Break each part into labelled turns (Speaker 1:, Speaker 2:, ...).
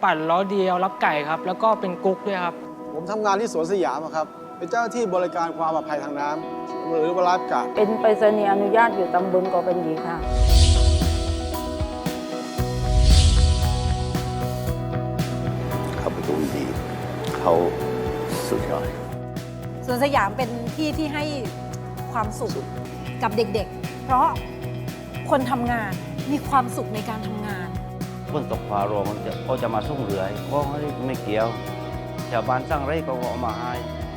Speaker 1: ปั่นล้อเดียวรับไก่ครับแล้วก็เป็นกุ๊กด้วยครับ
Speaker 2: ผมทำงานที่สวนสยามครับเป็นเจ้าหน้าที่บริการความปลอดภัยทางน้ำหรือว่าไลฟ์การ์ด
Speaker 3: เป็นไปรษณีย์อนุญาตอยู่ตำบลกอเป็นหยีค่ะ
Speaker 4: เขาเป็นคนดีเขาสุดยอด
Speaker 5: สวนสยามเป็นที่ที่ให้ความสุขกับเด็กๆ เพราะคนทำงานมีความสุขในการทำงาน
Speaker 6: คนตกปลาโรงเขาจะมาส่งเรือก็ไม่เกี่ยวชาวบ้านสร้างไร่ก็เอามาให้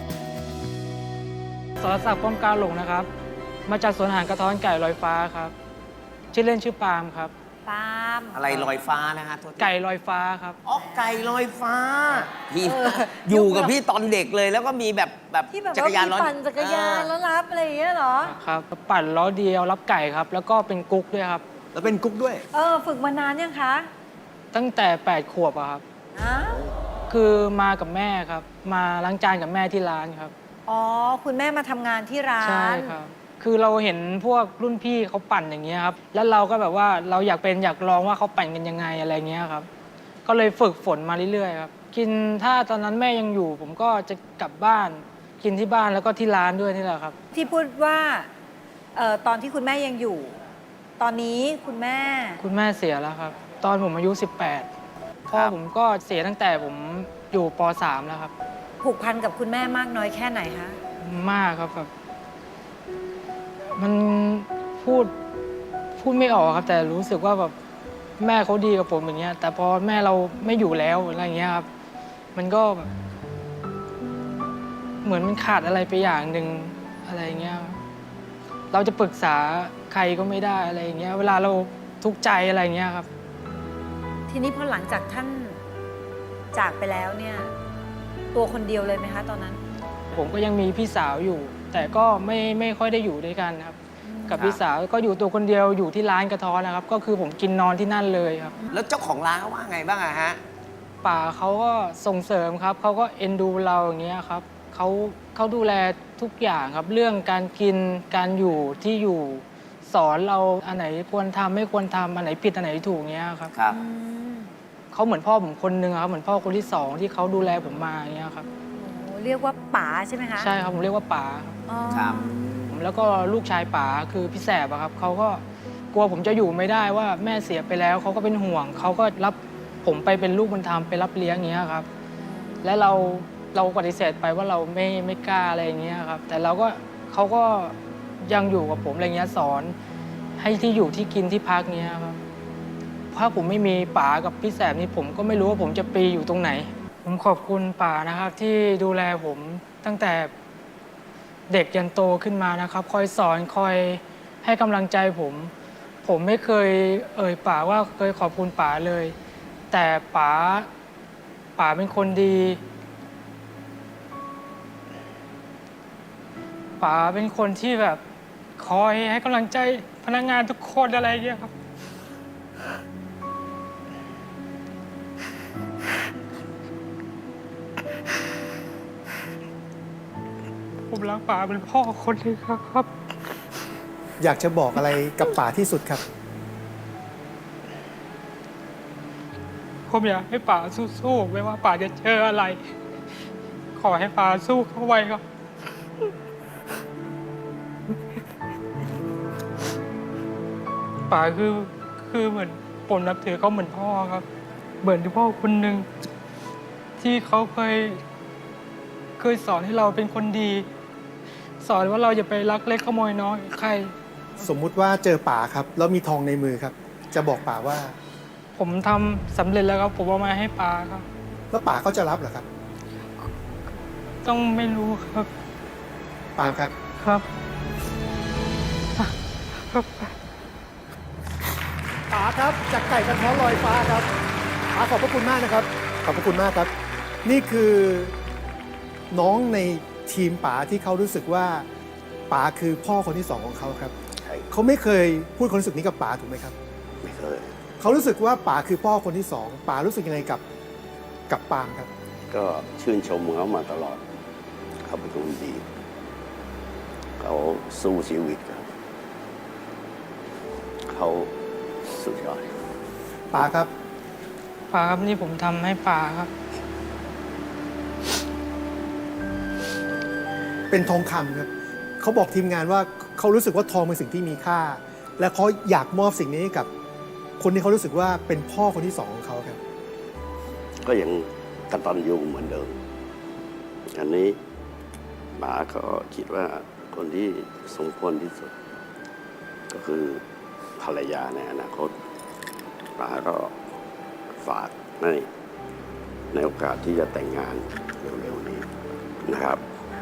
Speaker 1: สรศักดิ์ป้อมกาหลงนะครับมาจากสวนอาหารกระท้อนไก่ลอยฟ้าครับชื่อเล่นชื่อปาล์มครับ
Speaker 5: ปาล์ม
Speaker 7: อะไรลอยฟ้านะฮะ
Speaker 1: ไก่ลอยฟ้าครับ
Speaker 7: อ๋อไก่ลอยฟ้าพี่อยู่กับพี่ตอนเด็กเลยแล้วก็มีแบบ
Speaker 5: ที่แบบ
Speaker 7: จักรยาน
Speaker 5: ว่าปั่นจักรยานแล้วรับอะไรอย่างเงี้ยเหรอ
Speaker 1: ครับปั่นล้อเดียวรับไก่ครับแล้วก็เป็นกุ๊กด้วยครับ
Speaker 2: แล้วเป็นกุ๊กด้วย
Speaker 5: ฝึกมานานยังคะ
Speaker 1: ตั้งแต่8 ขวบอะครับคือมากับแม่ครับมาล้างจานกับแม่ที่ร้านครับ
Speaker 5: อ๋อคุณแม่มาทำงานที่ร้าน
Speaker 1: ใช่ครับคือเราเห็นพวกรุ่นพี่เขาปั่นอย่างเงี้ยครับแล้วเราก็แบบว่าเราอยากลองว่าเขาปั่นกันยังไงอะไรเงี้ยครับก็เลยฝึกฝนมาเรื่อยๆครับกินถ้าตอนนั้นแม่ยังอยู่ผมก็จะกลับบ้านกินที่บ้านแล้วก็ที่ร้านด้วยนี่แหละครับ
Speaker 5: ที่พูดว่าตอนที่คุณแม่ยังอยู่ ตอนนี้คุณแม่
Speaker 1: เสียแล้วครับตอนผมอายุ18พ่อผมก็เสียตั้งแต่ผมอยู่ป.3 แล้วครับ
Speaker 5: ผูกพันกับคุณแม่มากน้อยแค่ไหนคะ
Speaker 1: มากครับแบบมันพูดไม่ออกครับแต่รู้สึกว่าแบบแม่เขาดีกับผมอย่างเงี้ยแต่พอแม่เราไม่อยู่แล้วอะไรเงี้ยครับมันก็แบบเหมือนมันขาดอะไรไปอย่างหนึ่งอะไรเงี้ยเราจะปรึกษาใครก็ไม่ได้อะไรเงี้ยเวลาเราทุกข์ใจอะไรเงี้ยครับ
Speaker 5: ทีนี้พอหลังจากท่านจากไปแล้วเนี่ยตัวคนเดียวเลยไหมคะตอนนั้น
Speaker 1: ผมก็ยังมีพี่สาวอยู่แต่ก็ไม่ค่อยได้อยู่ด้วยกันครับกับพี่สาวก็อยู่ตัวคนเดียวอยู่ที่ร้านกระท้อนนะครับก็คือผมกินนอนที่นั่นเลยครับ
Speaker 7: แล้วเจ้าของร้านเขาว่าไงบ้างอะฮะ
Speaker 1: ป่าเขาก็ส่งเสริมครับเขาก็เอ็นดูเราอย่างเงี้ยครับเขาดูแลทุกอย่างครับเรื่องการกินการอยู่ที่อยู่สอนเราอันไหนควรทำไม่ควรทำอันไหนผิดอันไหนถูกเงี้ยครับเขาเหมือนพ่อผมคนนึงครับเหมือนพ่อคนที่2ที่เขาดูแลผมมาอย่างเงี้ยครับ
Speaker 5: เรียกว่าป๋าใช่ไหมคะ
Speaker 1: ใช่ครับผมเรียกว่าป๋าครับแล้วก็ลูกชายป๋าคือพี่แสบครับเขาก็กลัวผมจะอยู่ไม่ได้ว่าแม่เสียไปแล้วเขาก็เป็นห่วงเขาก็รับผมไปเป็นลูกบุญธรรมไปรับเลี้ยงอย่างเงี้ยครับและเราปฏิเสธไปว่าเราไม่กล้าอะไรอย่างเงี้ยครับแต่เขาก็ยังอยู่กับผมอะไรเงี้ยสอนให้ที่อยู่ที่กินที่พักเงี้ยครับถ้าผมไม่มีป๋ากับพี่แสบนี่ผมก็ไม่รู้ว่าผมจะไปอยู่ตรงไหนผมขอบคุณป๋านะครับที่ดูแลผมตั้งแต่เด็กยันโตขึ้นมานะครับคอยสอนคอยให้กำลังใจผมไม่เคยป๋าว่าเคยขอบคุณป๋าเลยแต่ป๋าเป็นคนดีป๋าเป็นคนที่แบบคอยให้กำลังใจพนักงานทุกคนอะไรอย่างเงี้ยครับผมรักป๋าเป็นพ่อคนนึงครับ
Speaker 8: อยากจะบอกอะไรกับป๋าที่สุดครับ
Speaker 1: ผมอยากให้ป๋าสู้ๆไม่ว่าป๋าจะเจออะไรขอให้ป๋าสู้เข้าไว้ครับป๋าคือเหมือนผมนับถือเขาเหมือนพ่อครับเหมือนที่พ่อคนหนึ่งที่เขาเคยสอนให้เราเป็นคนดีสอนว่าเราอย่าไปลักเล็กขโมยน้อยใคร
Speaker 8: สมมุติว่าเจอป๋าครับแล้วมีทองในมือครับจะบอกป๋าว่า
Speaker 1: ผมทำสำเร็จแล้วครับผมเอามาให้ป๋าครับ
Speaker 8: แล้วป๋าเขาจะรับเหรอครับ
Speaker 1: ต้องไม่รู้ครับ
Speaker 8: ป๋าครับ
Speaker 1: ครับ
Speaker 8: ป๋าครับจากไก่กระท้อนลอยฟ้าครับป๋าขอบพระคุณมากนะครับขอบพระคุณมากครับนี่คือน้องในทีมป๋าที่เขารู้สึกว่าป๋าคือพ่อคนที่2ของเขาครับเขาไม่เคยพูดความรู้สึกนี้กับป๋าถูกไหมครับ
Speaker 4: ไม่เคย
Speaker 8: เขารู้สึกว่าป๋าคือพ่อคนที่2ป๋ารู้สึกยังไงกับปาล์มครับ
Speaker 4: ก็ชื่นชมเขามาตลอดเขาเป็นคนดีเขาสู้ชีวิตครับเขาสุดยอด
Speaker 8: ป๋าครับ
Speaker 1: ป๋าครับนี่ผมทำให้ป๋าครับ
Speaker 8: เป็นทองคำครับเขาบอกทีมงานว่าเขารู้สึกว่าทองเป็นสิ่งที่มีค่า และเขาอยากมอบสิ่งนี้ให้กับคนที่เขารู้สึกว่าเป็นพ่อคนที่สองของเขาครับ
Speaker 4: ก็ยังกตัญญูเหมือนเดิม อันนี้ป๋าก็คิดว่าคนที่สมควรที่สุด ก็คือภรรยาในอนาคตป๋าก็ฝากในโอกาสที่จะแต่งงานเร็วๆนี้นะครับ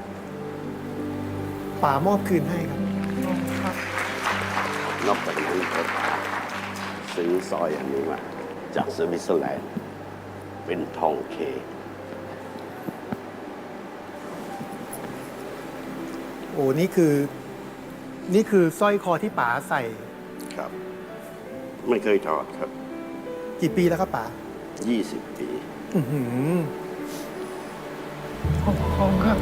Speaker 8: ป๋ามอบคืนให้ครับ
Speaker 4: นอกจากนั้นก็ซื้อสร้อยอันนี้มาจากสวิตเซอร์แลนด์เป็นทองเค
Speaker 8: โอ้นี่คือสร้อยคอที่ป๋าใส่
Speaker 4: ครับ ไม่เคยถอดครับ
Speaker 8: กี่ปีแล้วครับป๋า
Speaker 4: 20 ปี
Speaker 8: อื้อหือ
Speaker 1: ขอบคุณครับ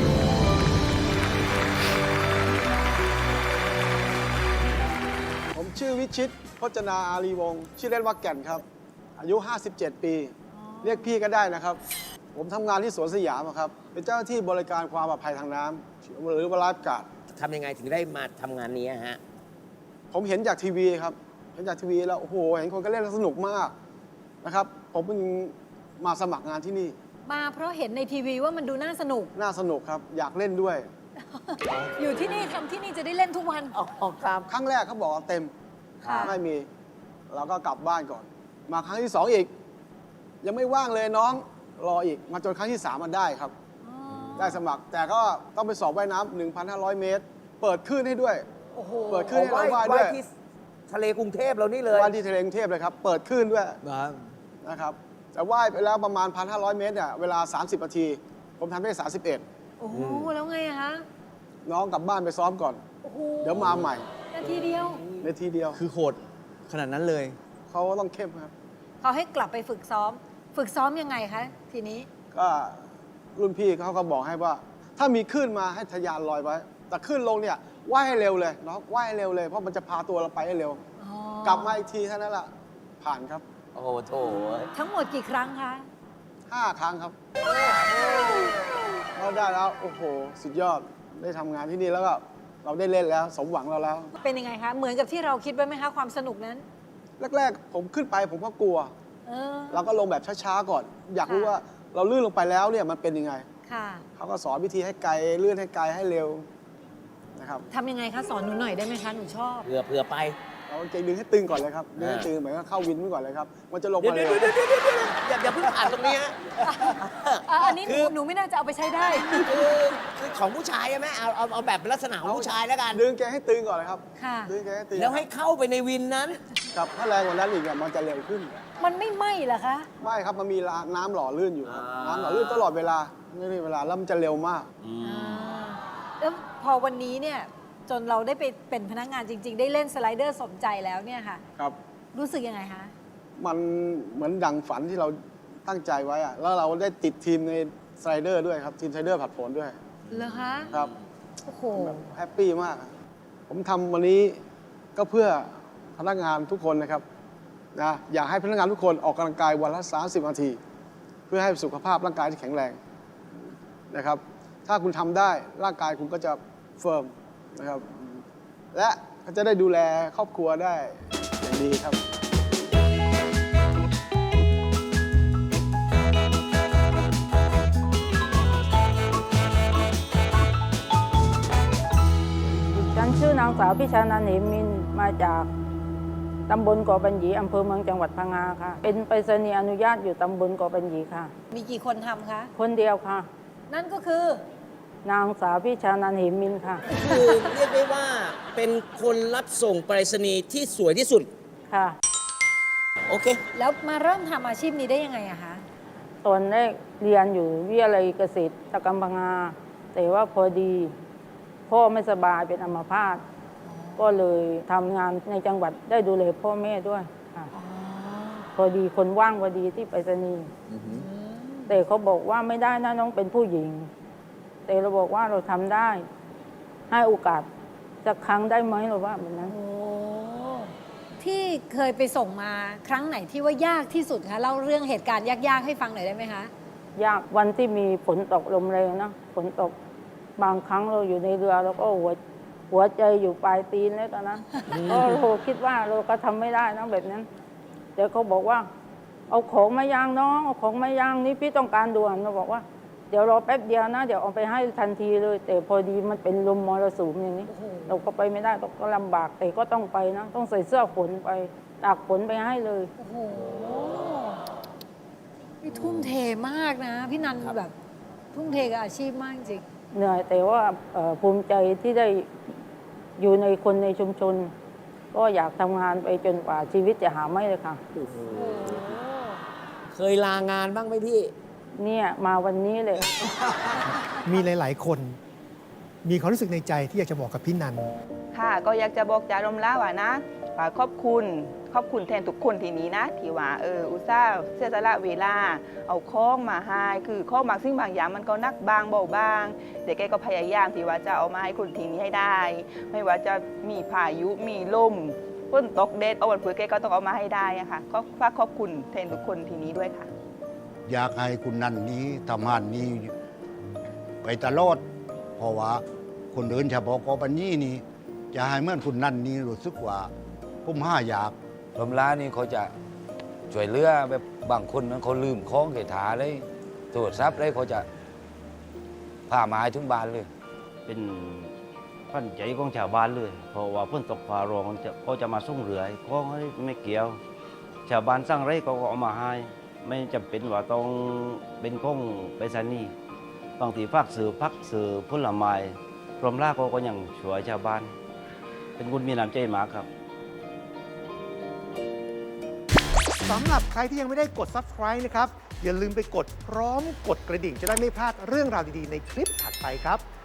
Speaker 2: ผมชื่อวิชิตพจนาอารีวงศ์ชื่อเล่นว่าแก่นครับ อายุ 57 ปี เรียกพี่ก็ได้นะครับ ผมทำงานที่สวนสยามอะครับ เป็นเจ้าหน้าที่บริการความปลอดภัยทางน้ำหรือว่าไลฟ์การ์ด
Speaker 7: ทำยังไงถึงได้มาทำงานนี้ฮะ
Speaker 2: ผมเห็นจากทีวีครับ เห็นจากทีวีแล้วโอ้โห เห็นคนก็เล่นแล้วสนุกมากนะครับ ผมเพิ่งมาสมัครงานที่นี่
Speaker 5: มาเพราะเห็นในทีวีว่ามันดูน่าสนุก
Speaker 2: น่าสนุกครับ อยากเล่นด้วย
Speaker 5: อยู่ที่นี่ทำที่นี่จะได้เล่นทุกวัน
Speaker 2: ครั้งแรกเขาบอกว่าเต็ม
Speaker 5: ค่ะ
Speaker 2: ไม่มี เราก็กลับบ้านก่อน มาครั้งที่ 2 อีก ยังไม่ว่างเลยน้องรออีก มาจนครั้งที่ 3 มันได้ครับ ได้สมัคร แต่ก็ต้องไปสอบว่ายน้ำ 1,500 เมตร เปิดคลื่นให้ด้วย
Speaker 5: โอ้โห
Speaker 2: เปิดคลื่นให้เราว่ายด้วย
Speaker 7: ที่ทะเลกรุงเทพเรานี่เลย
Speaker 2: ว่ายที่ทะเลกรุงเทพเลยครับ เปิดคลื่นด้วยนะครับ แต่ว่ายไปแล้วประมาณ 1,500 เมตรเนี่ยเวลา 30 นาที ผมทำได้ 31
Speaker 5: โอ้โห แล้วไงอะคะ
Speaker 2: น้องกลับบ้านไปซ้อมก่อน
Speaker 5: โอ้โห
Speaker 2: เดี๋ยวมาใหม่
Speaker 5: นาทีเดียว
Speaker 2: ในทีเดียว
Speaker 9: คือโหดขนาดนั้นเลย
Speaker 2: เขาก็ต้องเข้มครับ
Speaker 5: เขาให้กลับไปฝึกซ้อม ฝึกซ้อมยังไงคะ ทีนี้
Speaker 2: ก็รุ่นพี่เขาก็บอกให้ว่า ถ้ามีคลื่นมาให้ทะยานลอยไว้ แต่คลื่นลงเนี่ยว่ายให้เร็วเลยน้องว่ายให้เร็วเลย เพราะมันจะพาตัวเราไปให้เร็ว
Speaker 5: อ๋อ
Speaker 2: กลับมาอีกทีเท่านั้นแหละผ่านครับ
Speaker 7: โอ้โหโถ
Speaker 5: ทั้งหมดกี่ครั้งคะ
Speaker 2: 5 ครั้งครับเราได้แล้วโอ้โห สุดยอดได้ทำงานที่นี่แล้วก็เราได้เล่นแล้ว สมหวังเราแล้ว
Speaker 5: เป็นยังไงคะ เหมือนกับที่เราคิดไว้ไหมคะ ความสนุกนั้น
Speaker 2: แรกๆ ผมขึ้นไปผมก็กลัว
Speaker 5: เออ
Speaker 2: เราก็ลงแบบช้าๆก่อน อยากรู้
Speaker 5: ค่ะ
Speaker 2: ว่าเราลื่นลงไปแล้วเนี่ยมันเป็นยังไง
Speaker 5: ค่ะ
Speaker 2: เขาก็สอนวิธีให้ไกลเลื่อนให้ไกลให้เร็วนะครับ
Speaker 5: ทำยังไงคะ สอนหนูหน่อยได้ไหมคะ หนูชอบ
Speaker 7: เผื่อไป
Speaker 2: เราเก่งดึงให้ตึงก่อนเลยครับดึงให้ตึงเหมือนกับเข้าวินไว้ก่อนเลยครับ มันจะลง
Speaker 7: เดี๋ยว
Speaker 2: มาเร็ว
Speaker 7: อย่าเพิ่งผ่านตรงนี้ฮะ
Speaker 5: อันนี้หนูไม่น่าจะเอาไปใช้ได้
Speaker 7: คือของผู้ชายใช่ไหมเอาแบบเป็นลักษณะของผู้ชายแล้วกัน
Speaker 2: ดึงแกให้ตึงก่อนเลยครับ
Speaker 5: ค่ะ
Speaker 2: ดึงแกให้ตึง
Speaker 7: แล้วให้เข้าไปในวินนั้น
Speaker 2: ครับถ้าแรงกว่านั้นอีกมันจะเร็วขึ้น
Speaker 5: มันไม่ไหม้เหรอคะ
Speaker 2: ไม่ครับมันมีน้ำหล่อลื่นอยู่ครับ
Speaker 7: อ่า
Speaker 2: น้ำหล่อลื่นตลอดเวลาไม่มีเวลาแล้วมันจะเร็วมาก
Speaker 5: แล้วพอวันนี้เนี่ย จนเราได้ไปเป็นพนักงานจริง ๆ ได้เล่นสไลเดอร์สมใจแล้วเนี่ยค่ะ
Speaker 2: ครับ
Speaker 5: รู้สึกยังไงคะ
Speaker 2: มันเหมือนดังฝันที่เราตั้งใจไว้อะแล้วเราได้ติดทีมในสไลเดอร์ด้วยครับทีมสไลเดอร์ผัดโผนด้วย
Speaker 5: เหรอคะ
Speaker 2: ครับ
Speaker 5: โอ้โห
Speaker 2: แบบแฮปปี้มากอะผมทำวันนี้ก็เพื่อพนักงานทุกคนนะครับนะอยากให้พนักงานทุกคนออกกำลังกายวันละ 30 นาที เพื่อให้สุขภาพร่างกายที่แข็งแรงนะครับ ถ้าคุณทำได้ร่างกายคุณก็จะเฟิร์มนะครับ และก็จะได้ดูแลครอบครัวได้อย่างดีครับ
Speaker 3: ฉันชื่อนางสาวพิชานันท์เหมมินมาจากตำบลเกาะปัญญีอำเภอเมืองจังหวัดพังงาค่ะ เป็นไปรษณีย์อนุญาตอยู่ตำบลเกาะปัญญีค่ะ
Speaker 5: มีกี่คนทำคะ
Speaker 3: คนเดียวค่ะ
Speaker 5: นั่นก็คือ
Speaker 3: นางสาวพิชานันท์เหมมินค่ะ
Speaker 7: คือเรียกได้ว่าเป็นคนรับส่งไปรษณีย์ที่สวยที่สุด
Speaker 3: ค่ะ
Speaker 7: โอเค
Speaker 5: แล้วมาเริ่มทำอาชีพนี้ได้ยังไงอะคะ
Speaker 3: ตอนแรกเรียนอยู่วิทยาลัยเกษตรกรรมพังงา แต่ว่าพอดีพ่อไม่สบายเป็นอัมพาตก็เลยทำงานในจังหวัดได้ดูแลพ่อแม่ด้วยค่ะพอดีคนว่างพอดีที่ไปรษณีย์แต่เขาบอกว่าไม่ได้นะน้องเป็นผู้หญิง แต่เราบอกว่าเราทำได้ ให้โอกาสสักครั้งได้ไหมเราว่าแบบนั้น
Speaker 5: โอ้ที่ที่เคยไปส่งมาครั้งไหนที่ว่ายากที่สุดคะเล่าเรื่องเหตุการณ์ยากๆให้ฟังหน่อยได้ไหมคะ
Speaker 3: ยากวันที่มีฝนตกลมแรงนะฝนตกบางครั้งเราอยู่ในเรือเราก็หัวใจอยู่ปลายตีนแล้วตอนนั้นก็เราคิดว่าเราก็ทำไม่ได้นะแบบนั้นแต่เขาบอกว่าเอาของมายางน้องเอาของมายางนี่พี่ต้องการด่วนเราบอกว่าเดี๋ยวรอแป๊บเดียวนะเดี๋ยวเอาไปให้ทันทีเลย แต่พอดีมันเป็นลมมรสุมอย่างนี้
Speaker 5: โอ้โห
Speaker 3: เราก็ไปไม่ได้เราก็ลำบากแต่ก็ต้องไปนะต้องใส่เสื้อฝนไปตากฝนไปให้เลย
Speaker 5: โอ้โหนี่ทุ่มเทมากนะ พี่นันแบบทุ่มเทกับอาชีพมากจริง
Speaker 3: เหนื่อยแต่ว่าภูมิใจที่ได้อยู่ในคนในชุมชน ก็อยากทำงานไปจนกว่าชีวิตจะหาไม่เลยค่ะ
Speaker 7: เคยลางานบ้างไหมพี่
Speaker 3: เนี่ยมาวันนี้เลย
Speaker 8: มีหลาย ๆ คน มีความรู้สึกในใจที่อยากจะบอกกับพี่นัน
Speaker 9: ค่ะก็อยากจะบอกจารมล่าว่านะว่าขอบคุณแทนทุกคนที่นี้นะที่ว่าอุตส่าห์เสียสละเวลาเอาข้องมาให้คือข้องบางสิ่งบางอย่างมันก็นักบางเบาบางแต่แกก็พยายามที่ว่าจะเอามาให้คนทีนี้ให้ได้ ไม่ว่าจะมีพายุมีลมฝนตกแดดเอาวันเผื่อแกก็ต้องเอามาให้ได้อะค่ะก็ฝากขอบคุณแทนทุกคนทีนี้ด้วยค่ะ
Speaker 10: อยากให้คุณนันนี้ทำงานนี้ไปตลอด เพราะว่าคนเดินเฉพาะกอปัญญีนี่จะให้เหมื่อนคุณนันนี้รู้สึกว่าผมห้าอยาก
Speaker 6: ลมล้านี่เขาจะช่วยเหลือแบบบางคนนั้นเขาลืมของเกถาเลยตรวจทรัพย์เลยเขาจะพามาให้ถึงบ้านเลย เป็นปั้นใจของชาวบ้านเลย เพราะว่าฝนตกฟ้าร้องเขาจะมาส่งเรือของไม่เกี่ยว ชาวบ้านสร้างไรเขาก็เอามาให้ไม่จำเป็นว่าต้องเป็นของไปรษณีย์บางทีภาคสื่อผลไม้กรมราชเขาก็ยังช่วยชาวบ้าน เป็นคนมีน้ำใจมากครับ
Speaker 8: สำหรับใครที่ยังไม่ได้กด Subscribe นะครับ อย่าลืมไปกดพร้อมกดกระดิ่งจะได้ไม่พลาดเรื่องราวดี ๆ ในคลิปถัดไปครับ